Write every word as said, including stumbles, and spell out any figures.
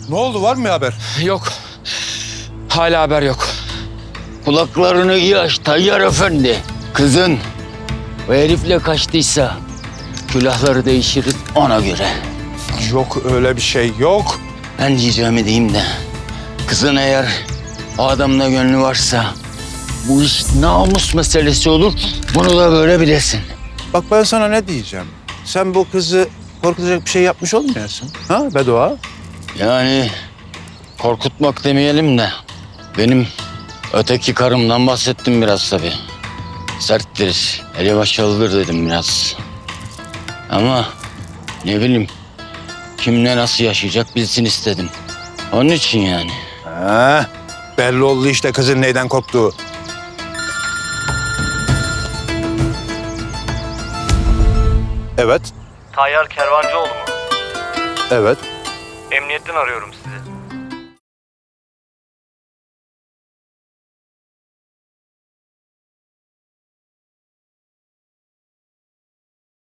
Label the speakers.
Speaker 1: Ne oldu, var mı haber?
Speaker 2: Yok. Hala haber yok.
Speaker 3: Kulaklarını iyi aç Tayyar Efendi. Kızın o herifle kaçtıysa külahları değişiriz ona göre.
Speaker 1: Yok öyle bir şey, yok.
Speaker 3: Ben diyeceğimi diyeyim de kızın eğer o adamla gönlü varsa bu iş namus meselesi olur. Bunu da böyle bilesin.
Speaker 1: Bak ben sana ne diyeceğim. Sen bu kızı korkutacak bir şey yapmış olmayasın. Ha Bedoğa?
Speaker 3: Yani korkutmak demeyelim de benim öteki karımdan bahsettim biraz tabii. Serttir, ele başalıdır dedim biraz. Ama ne bileyim kimle nasıl yaşayacak bilsin istedim. Onun için yani.
Speaker 1: Ha, belli oldu işte kızın neyden korktuğu. Evet,
Speaker 4: Tayyar Kervancıoğlu mu?
Speaker 1: evet.
Speaker 4: Emniyetten arıyorum sizi.